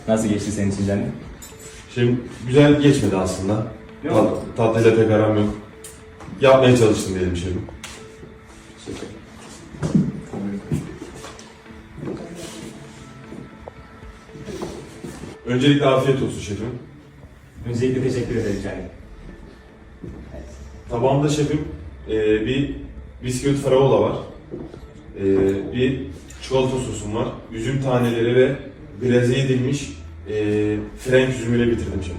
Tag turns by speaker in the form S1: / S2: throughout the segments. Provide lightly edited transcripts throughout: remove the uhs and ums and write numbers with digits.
S1: Nasıl geçti senin için canım?
S2: Şimdi güzel geçmedi aslında.
S1: Ne oldu?
S2: Tatlıyla pek aram yok. Yapmaya çalıştım diyelim şefim. Öncelikle afiyet olsun şefim.
S1: Öncelikle teşekkür ederim canım.
S2: Tabağımda şefim bir bisküvit faraola var. Bir çikolata sosum var. Üzüm taneleri ve glaze edilmiş frenk üzümüyle bitirdim şefim.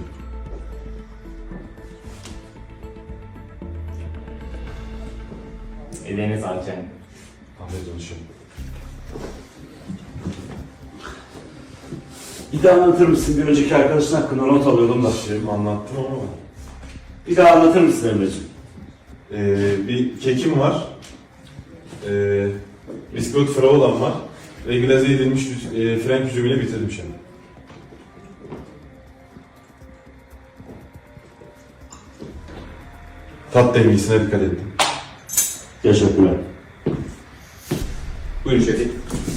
S1: Ellerine sağlık canım.
S2: Afiyet olsun şefim.
S3: Bir daha anlatır mısın? Bir önceki arkadaşın hakkında not alıyordum da.
S2: Şefim anlattım ama
S3: Bir daha anlatır mısın Emre'ciğim?
S2: bir kekim var. Bisküvit faraolam var. Ve glaze edilmiş frenk üzümüyle bitirdim şefim. Tat dengesine dikkat ettim.
S3: Teşekkürler.
S1: Buyurun şefim.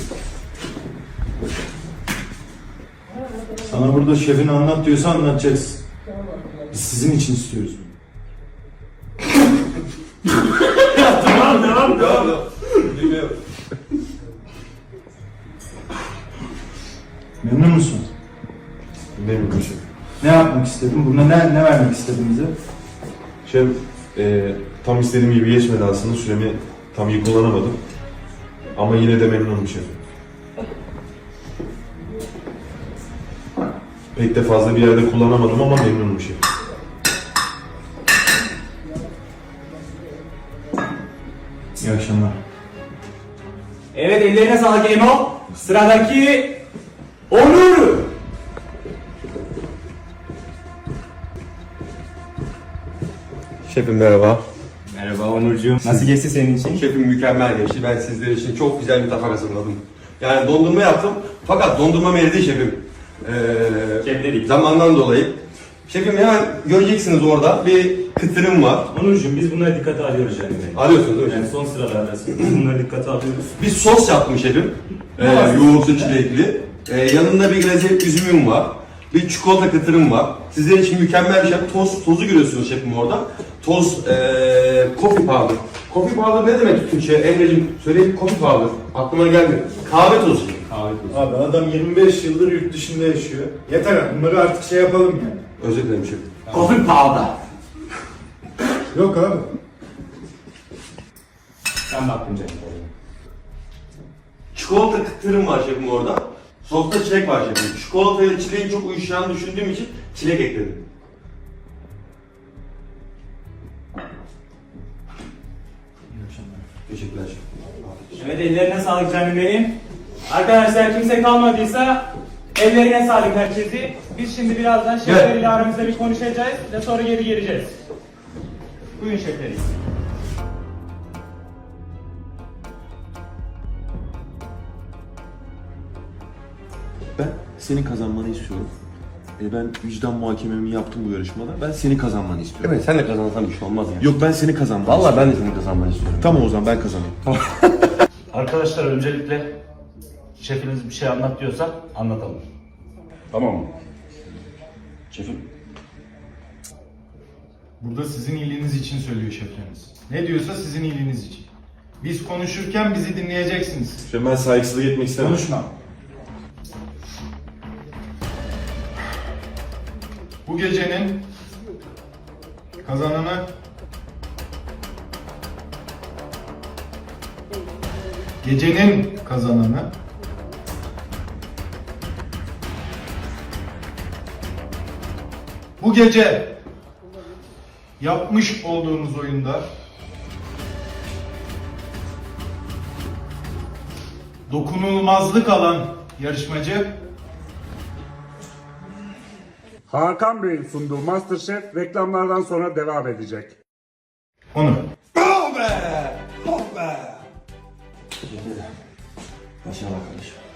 S4: Sana burada şefin anlat diyorsa anlatacaksın. Biz sizin için istiyoruz.
S3: Devam.
S2: Dinliyorum.
S4: Memnun musun?
S2: Dinlemiyorum şefim.
S4: Ne yapmak istedin? Burada ne vermek istedin bize?
S2: Şef, tam istediğim gibi geçmedi aslında. Süremi tam iyi kullanamadım. Ama yine de memnunum şefim. Pek de fazla bir yerde kullanamadım ama memnunum şefim.
S4: İyi akşamlar.
S1: Evet, ellerine sağlık Emo. Sıradaki Onur.
S5: Şefim merhaba.
S1: Merhaba Onurcuğum. Nasıl geçti senin için?
S5: Şefim mükemmel geçti. Ben sizler için çok güzel bir tabak hazırladım. Yani dondurma yaptım fakat dondurma eridi şefim.
S1: Şefleri.
S5: Zamandan dolayı. Şefim hemen göreceksiniz orada bir kıtırım var.
S1: Onurcuğum, biz bunları dikkate alıyoruz canım benim.
S5: Alıyorsunuz değil mi
S1: Yani
S5: şefim?
S1: son sıralardasın. Biz bunları dikkate alıyoruz.
S5: Bir sos yaptım şefim. Yoğurtlu çilekli. Yanında bir glaze üzümüm var. Bir çikolata kıtırım var. Sizler için mükemmel bir şey. Tozu görüyorsunuz şefim orada. Coffee powder. Coffee powder ne demek Türkçe? Emre'cim söyleyeyim, coffee powder. Aklıma gelmiyor. Kahve tozu.
S1: Kahve tozu.
S4: Abi adam 25 yıldır yurt dışında yaşıyor. Yeter, bunları artık şey yapalım yani.
S5: Özür dilerim şefim.
S3: Coffee powder.
S4: Yok abi.
S1: Ben baktım canım.
S5: Çikolata kıtırım var şefim orada. Sosta çilek var şefim. Çikolata ile çileğin çok uyuşacağını düşündüğüm için çilek ekledim. Teşekkürler şefim.
S1: Evet, ellerine sağlık canım benim. Arkadaşlar, kimse kalmadıysa ellerine sağlık herkesi. Biz şimdi birazdan şefleriyle aramızda bir konuşacağız ve sonra geri geleceğiz. Buyurun şefleri.
S6: Ben senin kazanmanı istiyorum. Ben vicdan muhakememi yaptım bu yarışmada. Ben senin kazanmanı istiyorum.
S5: Evet, sen de kazanırsan bir şey olmaz ya.
S6: Yok, ben seni kazanmanı
S5: Vallahi
S6: istiyorum.
S5: ben de senin kazanmanı istiyorum.
S6: Tamam o zaman ben kazanayım.
S7: Arkadaşlar öncelikle şefiniz bir şey anlat diyorsa anlatalım.
S3: Tamam mı? Şefim.
S4: Burada sizin iyiliğiniz için söylüyor şefleriniz. Ne diyorsa sizin iyiliğiniz için. Biz konuşurken bizi dinleyeceksiniz.
S2: Şefim ben saygısızlık etmek istemem.
S4: Konuşma. Bu gecenin kazananı bu gece yapmış olduğunuz oyunda dokunulmazlık alan yarışmacı
S8: Hakan Bey'in sunduğu MasterChef reklamlardan sonra devam edecek.
S4: Onur.
S5: Başarılı arkadaşım.